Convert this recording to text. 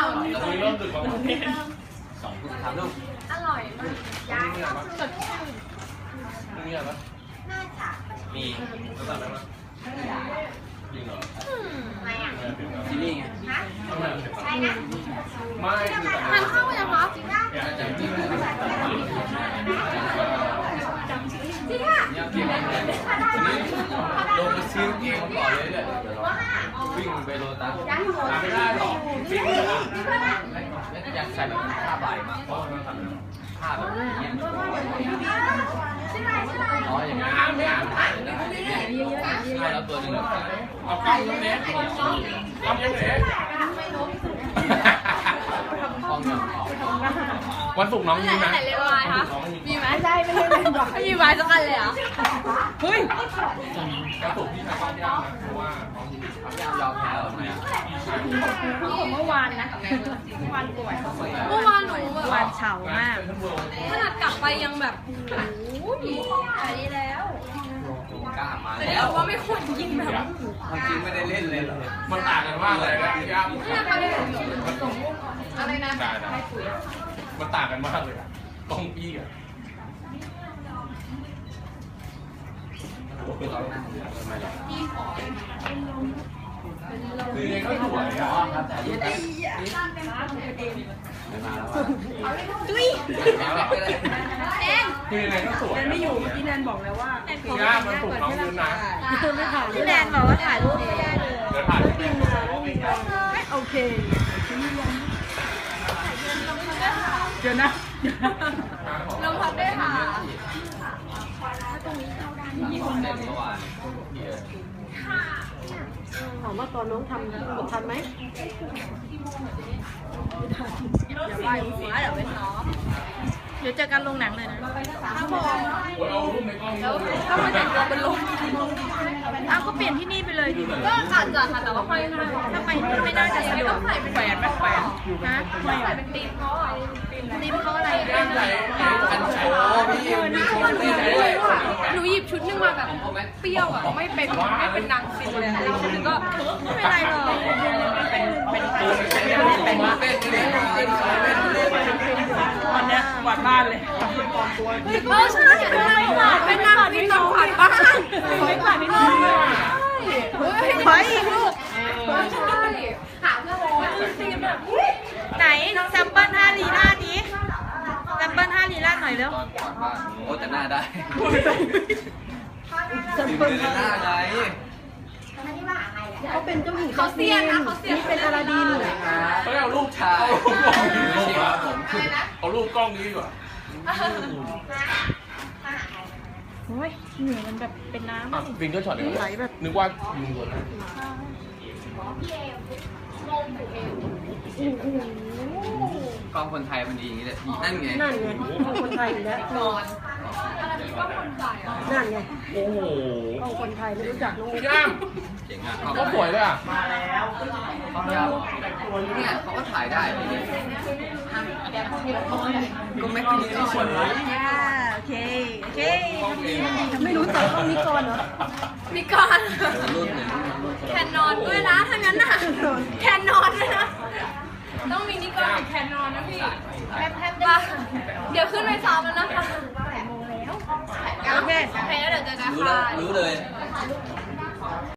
เราเริ่มดึกกว่า2 2 3 ลูกอร่อยมากย้ายก็สดชื่นมีอะไรปะน่าจะมีแล้วสั่งได้ปะจริงเหรอไม่อ่ะซีรีส์ไงฮะทำไมถึงใช่นะไม่คือทานข้าวยังคะจริงป่ะจริงอ่ะเนี่ยเกี่ยวกับวันนี้ลงมาซื้อเองก่อนเลยเนี่ยวิ่งไปโลตัสย้ายหัวไม่ได้หรอกจริงเหรอแล้วอยากใส่แบบผ้าใบมากกว่าผ้าแบบนี้ใช่ไหมใช่ไหมอ๋ออย่างนี้ใช่แล้วตัวหนึ่งเอากล้องยังเล็กกล้องยังเล็กห้องยังออกวันศุกร์น้องมีไหมไหนเรียนวายคะมีไหมใช่ไม่ได้เรียนวายไม่มีวายสักอันเลยเหรอเฮ้ยวันศุกร์พี่ใช้กล้องยากนะเพราะว่าน้องมียามยอมแพ้หรอเนี่ยเมื่อวานนะเมื่อวานป่วยเมื่อวานหนูแบบวานเฉามากขนาดกลับไปยังแบบโอ้ยหายดีแล้วกล้ามาแต่แล้วว่าไม่ควรกินแบบจริงไม่ได้เล่นเลยเหรอมันต่างกันมากเลยนะยากนี่นะคะเรียนอะไรนะได้มันต่างกันมากเลยกล้องพี่อะคือยังก็สวยอ่ะครับแต่รูปแบบไม่มาแล้วอ่ะตุ้ยเอ็นคือยังไงก็สวยไม่อยู่พี่แนนบอกแล้วว่ายากมันถูกน้องยืนนะไม่ถ่ายพี่แนนบอกว่าถ่ายรูปไม่ได้เลยเดี๋ยวถ่ายโอเคเดี๋ยวนะลงพักด้วยค่ะมีคนเล่นเมื่อวานถามว่าตอนน้องทำกดทันไหมอย่าไปหัวเดี๋ยวไปซ้อมเดี๋ยวเจอกันลงหนังเลยนะครับผมเอารูปในกล้องแล้วถ้ามาแต่งตัวเป็นลมอ้าวก็เปลี่ยนที่นี่ไปเลยดิก็อาจจะค่ะแต่ว่าไม่น่าทำไมไม่น่าจะสะดวกใส่เป็นแหวนไหมแหวนฮะไม่ใส่เป็นตีมเขาอ่ะตีมเขาอะไรตั้งใจอันโอ้พี่มีคนเล่นด้วยหนูหยิบชุดนึงมาแบบเปรี้ยวอ่ะไม่เป็นนางฟินเลยแล้วก็ไม่เป็นไรหรอกเป็นตอนเนี้ยกวาดบ้านเลยใช่เป็นนางฟินนางขวัญบ้านไม่กวาดนิดนึงไปอีกลูกใช่หาเพื่อนตีมแบบไหนแซมเปิล5 ลีลาดนี้แซมเปิล5 ลีลาดหน่อยเร็วตอนก่อนบ้านโอ้แต่หน้าได้ถึงเดินหน้าไงเขาเป็นเจ้าหญิงเขาเซียนนะเขาเซียนนี่เป็นอาราดินเขาเอารูปชายผม เอารูปกล้องนี้ดีกว่าโอ้ยเหนื่อยมันแบบเป็นน้ำอ่ะวิงก็ช็อตเลยไหลแบบนึกว่ายิงโดนนะกล้องคนไทยมันดีอย่างนี้เลยนั่นไงนั่นไงเอาคนไทยอีกแล้วนั่นไงโอ้โหเอาคนไทยไม่รู้จักน้องย่ามเจ๋งอ่ะก็สวยเลยอ่ะเขาเนี่ยเขาก็ถ่ายได้ก็ไม่คิดที่สวยโอเค โอเคไม่รู้จักต้องนิกรเหรอมีก่อนรุ่นหนึ่งแคนนอนด้วยนะถ้างั้นน่ะแคนนอนด้วยนะต้องมีนิกอนกับแคนนอนนะพี่แป๊บเดี๋ยวขึ้นไปซ้อมแล้วนะคะโอเคโอเคแล้วเดี๋ยวเจอกันค่ะรู้เลย